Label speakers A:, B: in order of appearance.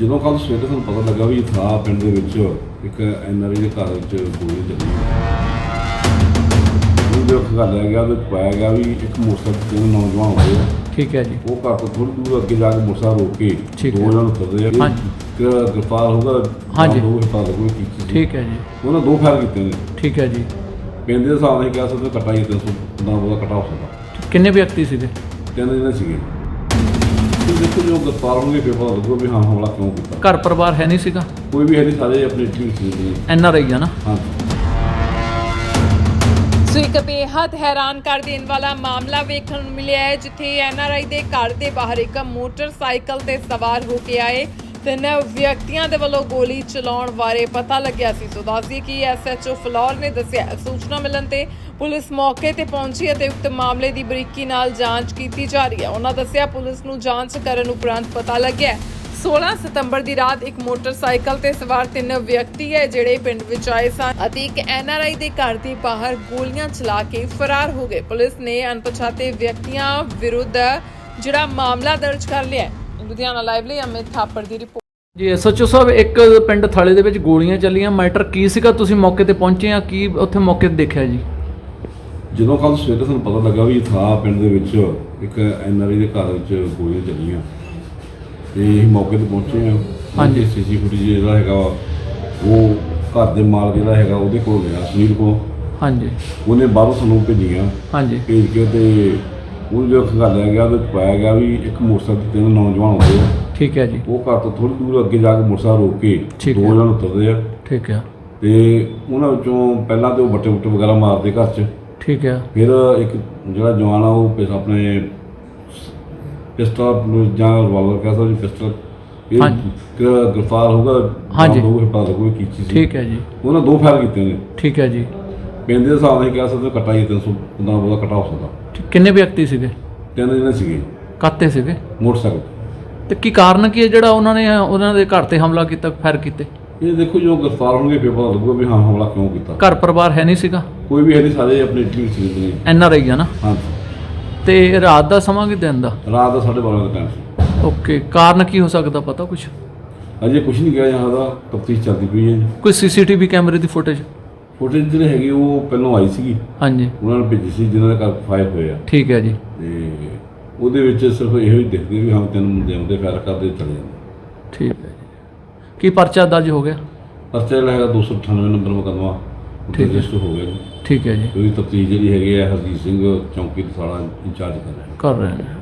A: ਜਦੋਂ ਕੱਲ੍ਹ ਸਵੇਰੇ ਸਾਨੂੰ ਪਤਾ ਲੱਗਾ ਵੀ ਥਾਂ ਪਿੰਡ ਦੇ ਵਿੱਚ ਇੱਕ NRI ਦੇ ਘਰ ਵਿੱਚ ਗੋਲੀ ਚੱਲੀ ਉਹਦੇ ਖਗਾਲਿਆ ਗਿਆ ਉਹਦੇ ਪਾਇਆ ਗਿਆ ਵੀ ਇੱਕ ਮੋਟਰਸਾਈਕਲ ਤੇ ਨੌਜਵਾਨ ਹੋਏ ਆ।
B: ਠੀਕ ਹੈ ਜੀ।
A: ਉਹ ਘਰ ਤੋਂ ਥੋੜ੍ਹੀ ਦੂਰ ਅੱਗੇ ਜਾ ਕੇ ਮੋਟਰਸਾਈਕਲ ਰੋਕ ਕੇ
B: ਠੀਕ
A: ਦੋ
B: ਹੈ।
A: ਜਣ ਉਤਰਦੇ ਆ। ਗ੍ਰਿਫਤਾਰ ਹੋਗਾ।
B: ਹਾਂਜੀ।
A: ਦੋ ਹਿਫਾਜ਼ਤ ਕੋਈ ਕੀਤੀ ਸੀ।
B: ਠੀਕ ਹੈ ਜੀ।
A: ਉਹਨਾਂ ਦੋ ਫਾਇਰ ਕੀਤੇ ਨੇ।
B: ਠੀਕ ਹੈ ਜੀ।
A: ਪਿੰਡ ਦੇ ਹਿਸਾਬ ਨਾਲ ਕਹਿ ਸਕਦੇ ਕੱਟਾ ਹੀ 300 ਉਹਦਾ ਕੱਟਾ ਹੋ ਸਕਦਾ।
B: ਕਿੰਨੇ ਵਿਅਕਤੀ ਸੀਗੇ?
A: ਤਿੰਨ ਜਣੇ ਸੀਗੇ। ਦੇਖੋ ਜੋ ਗ੍ਰਿਫਤਾਰ ਹੋਣਗੇ ਫਿਰ ਪਤਾ ਲੱਗੂਗਾ ਵੀ ਹਾਂ ਹਮਲਾ ਕਿਉਂ ਕੀਤਾ।
B: ਘਰ ਪਰਿਵਾਰ ਹੈ ਨਹੀਂ ਸੀਗਾ?
A: ਕੋਈ ਵੀ ਹੈ ਨਹੀਂ, ਸਾਰੇ ਆਪਣੀ ਟੀਮ ਸੀ।
B: NRI ਆ ਨਾ?
A: ਹਾਂ।
C: ਸੋ ਇੱਕ ਬੇਹੱਦ ਹੈਰਾਨ ਕਰ ਦੇਣ ਵਾਲਾ ਮਾਮਲਾ ਵੇਖਣ ਨੂੰ ਮਿਲਿਆ ਹੈ, ਜਿੱਥੇ NRI ਦੇ ਘਰ ਦੇ ਬਾਹਰ ਇੱਕ ਮੋਟਰਸਾਈਕਲ ਤੇ ਸਵਾਰ ਹੋ ਕੇ ਆਏ ਤਿੰਨ ਵਿਅਕਤੀਆਂ ਦੇ ਵੱਲੋਂ ਗੋਲੀ ਚਲਾਉਣ ਬਾਰੇ ਪਤਾ ਲੱਗਿਆ ਸੀ। ਸੋ ਦੱਸਦੀਏ ਕਿ SHO ਫਲੌਰ ਨੇ ਦੱਸਿਆ ਸੂਚਨਾ ਮਿਲਣ ਤੇ ਪੁਲਿਸ ਮੌਕੇ ਤੇ ਪਹੁੰਚੀ ਅਤੇ ਉਕਤ ਮਾਮਲੇ ਦੀ ਬਰੀਕੀ ਨਾਲ ਜਾਂਚ ਕੀਤੀ ਜਾ ਰਹੀ ਹੈ। ਉਹਨਾਂ ਦੱਸਿਆ ਪੁਲਿਸ ਨੂੰ ਜਾਂਚ ਕਰਨ ਉਪਰੰਤ ਪਤਾ ਲੱਗਿਆ 16 ਸਤੰਬਰ ਦੀ ਰਾਤ ਇੱਕ ਮੋਟਰਸਾਈਕਲ ਤੇ ਸਵਾਰ ਤਿੰਨ ਵਿਅਕਤੀ ਹੈ ਜਿਹੜੇ ਪਿੰਡ ਵਿੱਚ ਆਏ ਸਨ ਅਤੇ ਇੱਕ NRI ਦੇ ਘਰ ਦੇ ਬਾਹਰ ਗੋਲੀਆਂ ਚਲਾ ਕੇ ਫਰਾਰ ਹੋ ਗਏ। ਪੁਲਿਸ ਨੇ ਅਣਪਛਾਤੇ ਵਿਅਕਤੀਆਂ ਵਿਰੁੱਧ ਜਿਹੜਾ ਮਾਮਲਾ ਦਰਜ ਕਰ ਲਿਆ ਹੈ। ਲੁਧਿਆਣਾ ਲਾਈਵ ਲਈ ਅਮਿਤ ਥਾਪੜ ਦੀ ਰਿਪੋਰਟ।
B: ਜੀ SHO ਸਾਹਿਬ, ਇੱਕ ਪਿੰਡ ਥਾਲੇ ਦੇ ਵਿੱਚ ਗੋਲੀਆਂ ਚੱਲੀਆਂ, ਮੈਟਰ ਕੀ ਸੀਗਾ? ਤੁਸੀਂ ਮੌਕੇ ਤੇ ਪਹੁੰਚੇ ਆ, ਕੀ ਉੱਥੇ ਮੌਕੇ ਤੇ ਦੇਖਿਆ ਜੀ?
A: ਜਦੋਂ ਕੱਲ੍ਹ ਸਵੇਰੇ ਸਾਨੂੰ ਪਤਾ ਲੱਗਾ ਵੀ ਥਾਂ ਪਿੰਡ ਦੇ ਵਿੱਚ ਇੱਕ NRI ਦੇ ਘਰ ਵਿੱਚ ਗੋਲੀਆਂ ਚੱਲੀਆਂ ਤੇ ਅਸੀਂ ਮੌਕੇ ਤੇ ਪਹੁੰਚੇ ਹਾਂ।
B: ਹਾਂਜੀ।
A: CCTV ਫੁਟੇਜ ਜਿਹੜਾ ਹੈਗਾ ਉਹ ਘਰ ਦੇ ਮਾਲਕ ਜਿਹੜਾ ਹੈਗਾ ਉਹਦੇ ਕੋਲ ਗਿਆ, ਸੁਨੀਲ ਕੋਲ।
B: ਹਾਂਜੀ।
A: ਉਹਨੇ ਬਾਹਰੋਂ ਸਾਨੂੰ ਭੇਜੀਆਂ।
B: ਹਾਂਜੀ।
A: ਭੇਜ ਕੇ ਤੇ ਉਹ ਜੋ ਖਗਾਲਿਆ ਗਿਆ ਉਹਦੇ ਪਾਇਆ ਗਿਆ ਵੀ ਇੱਕ ਮੋਟਰਸਾਈਕਲ ਤੇ ਤਿੰਨ ਨੌਜਵਾਨ ਹੋਏ ਆ।
B: ਠੀਕ ਹੈ ਜੀ।
A: ਉਹ ਘਰ ਤੋਂ ਥੋੜ੍ਹੀ ਦੂਰ ਅੱਗੇ ਜਾ ਕੇ ਮੋਟਰਸਾਈਕਲ ਰੋਕ ਕੇ
B: ਠੀਕ
A: ਦੋ
B: ਹੈ।
A: ਜਣ ਉਤਰਦੇ ਆ
B: ਠੀਕ ਹੈ।
A: ਤੇ ਉਹਨਾਂ ਵਿੱਚੋਂ ਪਹਿਲਾਂ ਤੇ ਉਹ ਬੱਟੇ ਵਗੈਰਾ ਮਾਰਦੇ ਘਰ 'ਚ।
B: ਠੀਕ ਹੈ।
A: ਫਿਰ ਇੱਕ ਜਿਹੜਾ ਜਵਾਨ ਆ ਉਹ ਆਪਣੇ ਪਿਸਤਲ ਜਾਂ ਰਿਵਾਲਵਰ ਕਹਿ ਸਕਦੇ ਪਿਸਤਲ ਇਹ ਗ੍ਰਿਫਤਾਰ ਹੋਗਾ।
B: ਹਾਂਜੀ।
A: ਦੋ ਹਿਫਾਜ਼ਤ ਕੋਈ ਕੀਤੀ ਸੀ।
B: ਠੀਕ ਹੈ ਜੀ।
A: ਉਹਨਾਂ ਦੋ ਫਾਇਰ ਕੀਤੇ ਨੇ।
B: ਠੀਕ ਹੈ ਜੀ।
A: ਪਿੰਡ ਦੇ ਹਿਸਾਬ ਨਾਲ ਕਹਿ ਸਕਦੇ ਕੱਟਾ ਹੀ 300 ਉਹਦਾ ਕੱਟਾ ਹੋ ਸਕਦਾ।
B: ਕਿੰਨੇ ਵਿਅਕਤੀ ਸੀਗੇ?
A: ਤਿੰਨ ਜਣੇ ਸੀਗੇ।
B: ਕਾਤੇ ਸੀਗੇ?
A: ਮੋਟਰਸਾਈਕਲ
B: ਤੇ ਕੀ ਕਾਰਨ ਕੀ ਹੈ ਜਿਹੜਾ ਉਹਨਾਂ ਦੇ ਘਰ ਤੇ ਹਮਲਾ ਕੀਤਾ, ਫਾਇਰ ਕੀਤੇ?
A: ਇਹ ਦੇਖੋ ਜੋ ਗ੍ਰਿਫਤਾਰ ਹੋਣਗੇ ਫਿਰ ਪਤਾ ਲੱਗੂਗਾ ਵੀ ਹਾਂ ਹਮਲਾ ਕਿਉਂ ਕੀਤਾ।
B: ਘਰ ਪਰਿਵਾਰ ਹੈ ਨਹੀਂ ਸੀਗਾ?
A: ਕੋਈ ਵੀ ਹੈ ਨਹੀਂ, ਸਾਰੇ ਆਪਣੀ ਟੀਮ ਸੀ।
B: NRI ਆ ਨਾ?
A: ਹਾਂ।
B: ਤੇ ਰਾਤ ਦਾ ਸਮਾਂ ਕਿ ਦਿਨ ਦਾ?
A: ਰਾਤ ਦਾ 12:30 ਦਾ ਟਾਈਮ ਸੀ।
B: ਓਕੇ। ਕਾਰਨ ਕੀ ਹੋ ਸਕਦਾ, ਪਤਾ ਕੁਛ?
A: ਅਜੇ ਕੁਝ ਨਹੀਂ ਕਿਹਾ ਜਾਂਦਾ, ਤਫਤੀਸ਼ ਚੱਲਦੀ ਪਈ ਹੈ ਜੀ।
B: ਕੋਈ CCTV ਕੈਮਰੇ ਦੀ ਫੁਟੇਜ
A: ਜਿਹੜੇ ਹੈਗੀ ਉਹ ਪਹਿਲਾਂ ਆਈ ਸੀਗੀ।
B: ਹਾਂਜੀ।
A: ਉਹਨਾਂ ਨੇ ਭੇਜੀ ਸੀ ਜਿਨ੍ਹਾਂ ਦੇ ਘਰ ਫਾਇਰ ਹੋਏ ਆ।
B: ਠੀਕ ਹੈ ਜੀ।
A: ਤੇ ਉਹਦੇ ਵਿੱਚ ਸਿਰਫ ਇਹੋ ਹੀ ਦਿਖਦੇ ਵੀ ਹਾਂ ਤਿੰਨ ਮੁੰਡੇ ਆਉਂਦੇ ਫਾਇਰ ਕਰਦੇ ਚਲੇ ਜਾਂਦੇ।
B: ਠੀਕ ਹੈ ਜੀ। ਕੀ ਪਰਚਾ ਦਰਜ ਹੋ ਗਿਆ?
A: ਪਰਚਾ ਜਿਹੜਾ ਹੈਗਾ 298 ਨੰਬਰ ਮੁਕੱਦਮਾ
B: ਠੀਕ ਹੈ।
A: ਰਜਿਸਟਰ ਹੋ ਗਿਆ ਜੀ।
B: ਠੀਕ ਹੈ ਜੀ।
A: ਉਹਦੀ ਤਫਤੀਸ਼ ਜਿਹੜੀ ਹੈਗੀ ਹੈ ਹਰਜੀਤ ਸਿੰਘ ਚੌਂਕੀ ਦਸਾਲਾ ਇੰਚਾਰਜ ਕਰ ਰਿਹਾ।
B: ਕਰ ਰਹੇ ਨੇ।